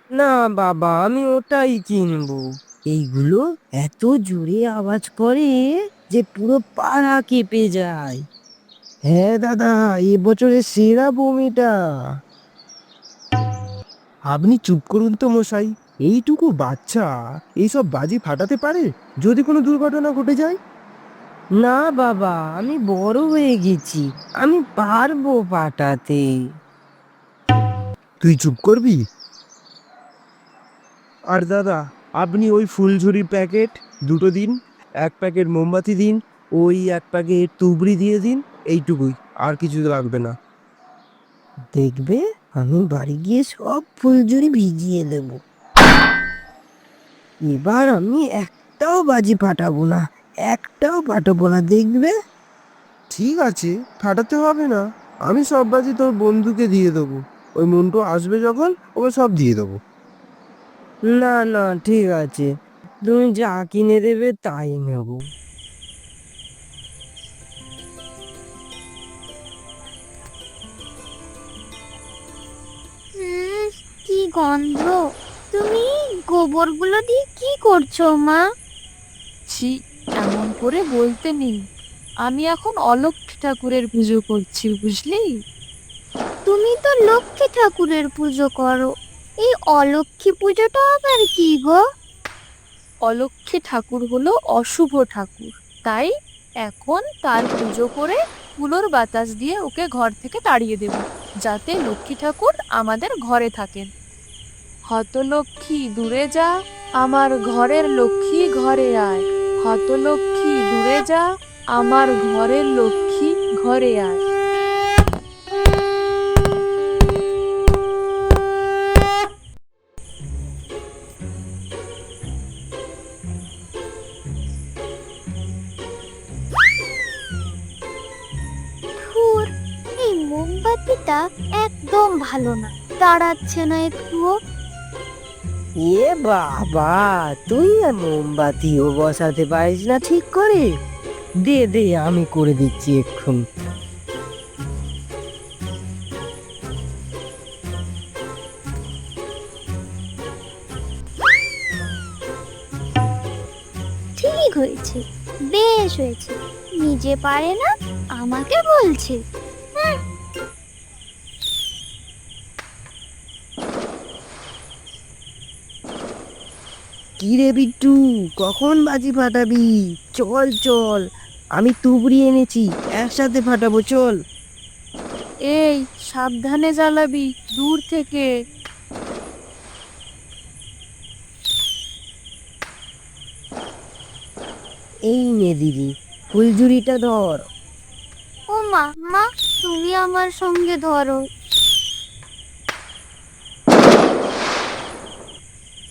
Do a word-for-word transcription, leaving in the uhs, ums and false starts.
না বাবা, আমি ওটাই কিনবো। এইগুলো এত জোরে আওয়াজ করে যে পুরো পাড়া কেঁপে যায়। হ্যাঁ দাদা, এ বছরের সেরা বোম এটা। আপনি চুপ করুন তো মশাই। এইটুকু বাচ্চা এইসব বাজি ফাটাতে পারে? যদি কোনো দুর্ঘটনা ঘটে যায়? না বাবা, আমি বড় হয়ে গেছি, আমি পারবো ফাটাতে। তুই চুপ করবি? আর দাদা, আপনি ওই ফুলঝুরি প্যাকেট দুটো দিন, এক প্যাকেট মোমবাতি দিন, ওই এক প্যাকেট তুবড়ি দিয়ে দিন। এইটুকুই, আর কিছু লাগবে না। দেখবে, আমি বাড়ি গিয়ে সব ফুলঝুরি ভিজিয়ে দেব। এবার আমি একটাও বাজি ফাটাবো না, একটাও ফাটাবো না, দেখবে। ঠিক আছে, ফাটাতে হবে না। আমি সব বাজি তোর বন্ধুকে দিয়ে দেবো। ওই মন্টু আসবে যখন, ওকে সব দিয়ে দেবো। না না, ঠিক আছে, তুমি যা কিনে দেবে তাই নেব। উম, কি গন্ধ! তুমি গোবরগুলো দিয়ে কি করছো মা? ছি, এমন করে বলতে নেই। আমি এখন অলক্ষ্মী ঠাকুরের পুজো করছি, বুঝলি? তুমি তো লক্ষ্মী ঠাকুরের পুজো করো, এই অলক্ষ্মী পুজোটা আবার কি গো? অলক্ষ্মী ঠাকুর হলো অশুভ ঠাকুর, তাই এখন তার পুজো করে কুলোর বাতাস দিয়ে ওকে ঘর থেকে তাড়িয়ে দেব, যাতে লক্ষ্মী ঠাকুর আমাদের ঘরে থাকেন। হতলক্ষ্মী দূরে যা, আমার ঘরের লক্ষ্মী ঘরে আয়। হতলক্ষ্মী দূরে যা, আমার ঘরের লক্ষ্মী ঘরে আয়। ধুর, এই মোমবাতিটা একদম ভালো না, তাড়াচ্ছে না একটুও। এ বাবা, তুই আর মোমবাতিও বসাতে পারিস না ঠিক করে? দে দে, আমি করে দিচ্ছি এক্ষুন। ঠিক হয়েছে, বেশ হয়েছে। নিজে পারে না, আমাকে বলছে। হুঁ। কি রে বিট্টু, কখন বাজি ফাটাবি? চল চল, আমি তুবড়ি এনেছি, একসাথে ফাটাবো, চল। এই, সাবধানে জ্বালাবি, দূর থেকে। এই নে দিদি, ফুলঝুরিটা ধর। ও মা, মা তুমি আমার সঙ্গে ধরো,